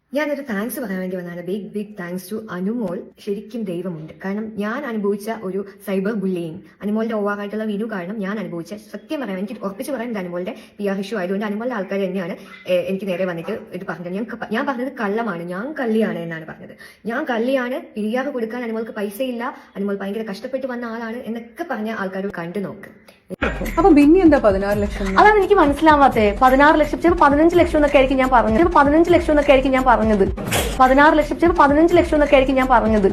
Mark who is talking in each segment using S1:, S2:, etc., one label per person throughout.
S1: ഞാനൊരു താങ്ക്സ് പറയാൻ വേണ്ടി വന്നതാണ്. Big thanks to Anumol. ശരിക്കും ദൈവമുണ്ട്. കാരണം ഞാൻ അനുഭവിച്ച ഒരു സൈബർ ബുള്ളിയിങ്, അനുമോളുടെ ഓവറായിട്ടുള്ള വിനു കാരണം ഞാൻ അനുഭവിച്ച, സത്യം പറയാം, എനിക്ക് ഉറപ്പിച്ച് പറയാൻ അനുമോളുടെ PR ഇഷ്യൂ ആയതുകൊണ്ട് അനുമോളുടെ ആൾക്കാർ തന്നെയാണ് എനിക്ക് നേരെ വന്നിട്ട് ഇത് പറഞ്ഞത്. ഞാൻ പറഞ്ഞത് കള്ളമാണ്, ഞാൻ കള്ളിയാണ് എന്നാണ് പറഞ്ഞത്. ഞാൻ കള്ളിയാണ്, PR കൊടുക്കാൻ അനുമോൾക്ക് പൈസയില്ല, അനുമോൾ ഭയങ്കര കഷ്ടപ്പെട്ട് വന്ന ആളാണ് എന്നൊക്കെ പറഞ്ഞ ആൾക്കാർ കണ്ടു നോക്ക്.
S2: അപ്പൊ പിന്നെ എന്താ 16 ലക്ഷം?
S3: അതാണ് എനിക്ക് മനസ്സിലാവാത്തത്. 16 ലക്ഷം, ചിലപ്പോൾ 15 ലക്ഷം എന്നൊക്കെ ആയിരിക്കും ഞാൻ പറഞ്ഞത്. ചിലപ്പോൾ 15 ലക്ഷം എന്നൊക്കെ ആയിരിക്കും ഞാൻ പറഞ്ഞത്. 16 ലക്ഷം, ചിലപ്പോൾ 15 ലക്ഷം എന്നൊക്കെ ആയിരിക്കും ഞാൻ പറഞ്ഞത്.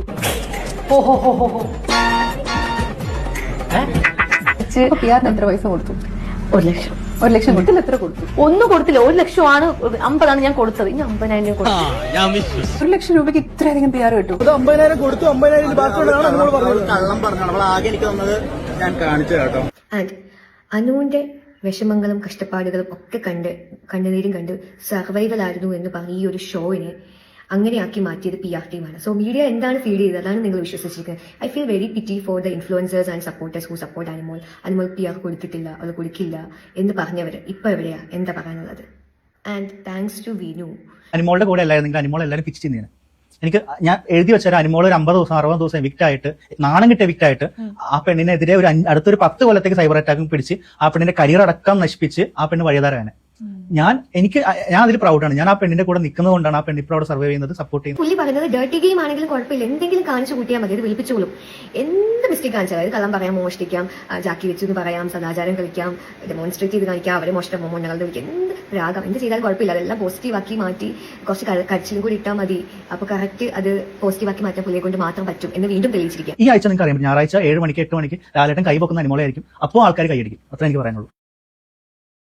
S2: PR എത്ര പൈസ കൊടുത്തു?
S3: 1 ലക്ഷം.
S2: 1 ലക്ഷം കൊടുത്തില്ല. എത്ര കൊടുത്തു?
S3: ഒന്നും കൊടുത്തില്ല. 1 ലക്ഷമാണ്, 50 ഞാൻ കൊടുത്തത്. ഇനി 50,000 കൊടുത്തു.
S2: 1 ലക്ഷം രൂപയ്ക്ക് ഇത്രയധികം PR കിട്ടും?
S4: 50,000 കൊടുത്തു. 50,000 കള്ളം പറഞ്ഞാണ് ആകെ എനിക്ക് തന്നത്. ഞാൻ കാണിച്ചു കേട്ടോ.
S1: ആൻഡ് അനുവിന്റെ വിഷമങ്ങളും കഷ്ടപ്പാടുകളും ഒക്കെ കണ്ണുനീരും കണ്ട് സർവൈവൽ ആയിരുന്നു എന്ന് പറഞ്ഞ ഈ ഒരു ഷോയിനെ അങ്ങനെയാക്കി മാറ്റിയത് PR ടീമാണ്. സോ മീഡിയ എന്താണ് ഫീഡ് ചെയ്തത് അതാണ് നിങ്ങൾ വിശ്വസിച്ചിരിക്കുന്നത്. I feel very pity for the influencers and supporters who support Anumol PR കൊടുത്തിട്ടില്ല, അത് കൊടുക്കില്ല എന്ന് പറഞ്ഞവർ ഇപ്പൊ എവിടെയാ, എന്താ പറയാനുള്ളത്? And thanks to Vinu.
S5: അനുമോളുടെ കൂടെ എല്ലാവരും അനുമോൾ എല്ലാവരും പിച്ച് ചെയ്യുന്നതാണ്. എനിക്ക് ഞാൻ എഴുതി വെച്ചാൽ അനുമോൾ ഒരു 50 ദിവസം 60 ദിവസം എവിക്റ്റ് ആയിട്ട്, നാണം കിട്ടിയ എവിക്റ്റ് ആയിട്ട് ആ പെണ്ണിനെതിരെ ഒരു അടുത്തൊരു 10 കൊല്ലത്തേക്ക് സൈബർ അറ്റാക്കും പിടിച്ച് ആ പെണ്ണിന്റെ കരിയർ അടക്കം നശിപ്പിച്ച് ആ പെണ്ണ് വഴിതാരാണ്. ഞാൻ അതിൽ പ്രൗഡാണ്. ഞാൻ ആ പെണ്ണിന്റെ കൂടെ നിൽക്കുന്നത് കൊണ്ടാണ് ആ പെണ്ണ് ഇപ്പോൾ അവിടെ സർവൈവ് ചെയ്യുന്നത്, സപ്പോർട്ട് ചെയ്യുന്നത്.
S1: പുള്ളി പറയുന്നത് ഡേർട്ടി ഗെയിം ആണെങ്കിലും കുഴപ്പമില്ല, എന്തെങ്കിലും കാണിച്ചു കൂട്ടിയാൽ മതി, അത് വിളിപ്പിച്ചോളും. എന്ത് മിസ്റ്റേക്ക് കാണിച്ചാൽ, അതായത് കള്ളം പറയാം, മോഷ്ടിക്കാം, ജാക്കി വെച്ചു എന്ന് പറയാം, സദാചാരം കളിക്കാം, ഡെമോൺസ്ട്രേറ്റ് ചെയ്ത് കാണിക്കാം, അവരെ മോഷ്ടം മോണകളുടെ വിളിക്കാം, എന്ത് രാഗം എന്ത് ചെയ്താലും കുഴപ്പമില്ല. അതെല്ലാം പോസിറ്റീവ് ആക്കി മാറ്റി കുറച്ച് കരച്ചിലും കൂടി ഇട്ടാൽ മതി. അപ്പൊ കറക്റ്റ് അത് പോസിറ്റീവ് ആക്കി മാറ്റാൻ പുള്ളിയെ കൊണ്ട് മാത്രം പറ്റും എന്ന് വീണ്ടും തെളിയിച്ചിരിക്കാം.
S5: ഈ ആഴ്ച നിങ്ങൾക്ക് അറിയാം, ഞായറാഴ്ച 7 മണിക്ക് 8 മണിക്ക് ലാലേട്ടൻ കൈ വെക്കുന്ന അനുമോളായിരിക്കും. അപ്പോൾ ആൾക്കാർ കൈയടിക്കും. അത്ര എനിക്ക് പറയാനുള്ളൂ.